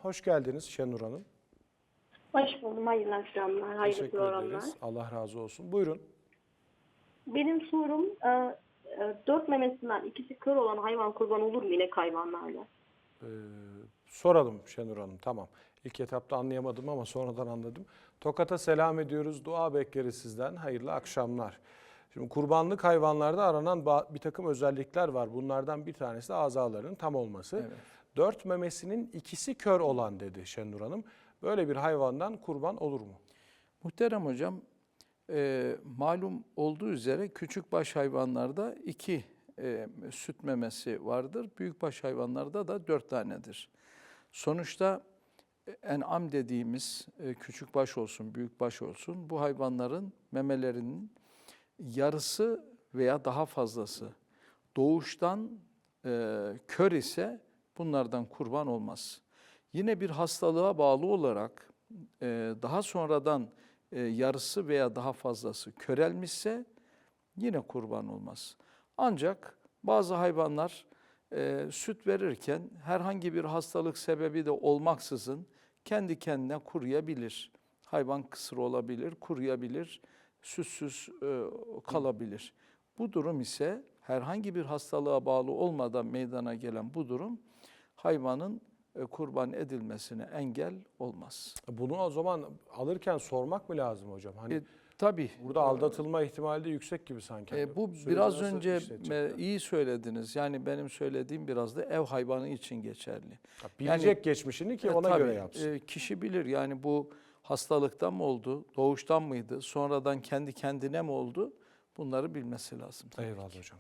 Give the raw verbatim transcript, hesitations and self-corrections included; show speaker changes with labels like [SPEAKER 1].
[SPEAKER 1] Hoş geldiniz Şenur Hanım.
[SPEAKER 2] Hoş buldum. Hayırlı akşamlar. Hayırlı
[SPEAKER 1] Teşekkür
[SPEAKER 2] programlar.
[SPEAKER 1] ederiz. Allah razı olsun. Buyurun.
[SPEAKER 2] Benim sorum e, e, dört memesinden ikisi kör olan hayvan kurban olur mu inek hayvanlarla?
[SPEAKER 1] Ee, soralım Şenur Hanım. Tamam. İlk etapta anlayamadım ama sonradan anladım. Tokat'a selam ediyoruz. Dua bekleriz sizden. Hayırlı akşamlar. Şimdi kurbanlık hayvanlarda aranan ba- bir takım özellikler var. Bunlardan bir tanesi de azalarının tam olması.
[SPEAKER 3] Evet.
[SPEAKER 1] Dört memesinin ikisi kör olan dedi Şenur Hanım. Böyle bir hayvandan kurban olur mu?
[SPEAKER 3] Muhterem hocam, e, malum olduğu üzere küçükbaş hayvanlarda iki e, süt memesi vardır. Büyükbaş hayvanlarda da dört tanedir. Sonuçta e, en'am dediğimiz e, küçükbaş olsun, büyükbaş olsun bu hayvanların memelerinin yarısı veya daha fazlası doğuştan e, kör ise bunlardan kurban olmaz. Yine bir hastalığa bağlı olarak e, daha sonradan e, yarısı veya daha fazlası körelmişse yine kurban olmaz. Ancak bazı hayvanlar e, süt verirken herhangi bir hastalık sebebi de olmaksızın kendi kendine kuruyabilir. Hayvan kısır olabilir, kuruyabilir, sütsüz e, kalabilir. Bu durum ise herhangi bir hastalığa bağlı olmadan meydana gelen bu durum hayvanın e, kurban edilmesine engel olmaz.
[SPEAKER 1] Bunu o zaman alırken sormak mı lazım hocam? Hani
[SPEAKER 3] E, tabii.
[SPEAKER 1] burada aldatılma ihtimali de yüksek gibi sanki. Hani
[SPEAKER 3] E, bu
[SPEAKER 1] süreci
[SPEAKER 3] biraz
[SPEAKER 1] nasıl
[SPEAKER 3] önce
[SPEAKER 1] işletecekler?
[SPEAKER 3] e, iyi söylediniz. Yani benim söylediğim biraz da ev hayvanı için geçerli.
[SPEAKER 1] Ha, bilecek
[SPEAKER 3] Yani,
[SPEAKER 1] geçmişini ki
[SPEAKER 3] e,
[SPEAKER 1] ona
[SPEAKER 3] tabii,
[SPEAKER 1] göre yapsın.
[SPEAKER 3] e, kişi bilir yani bu hastalıktan mı oldu, doğuştan mıydı, sonradan kendi kendine mi oldu? Bunları bilmesi lazım. tabii
[SPEAKER 1] Eyvallah
[SPEAKER 3] ki.
[SPEAKER 1] hocam.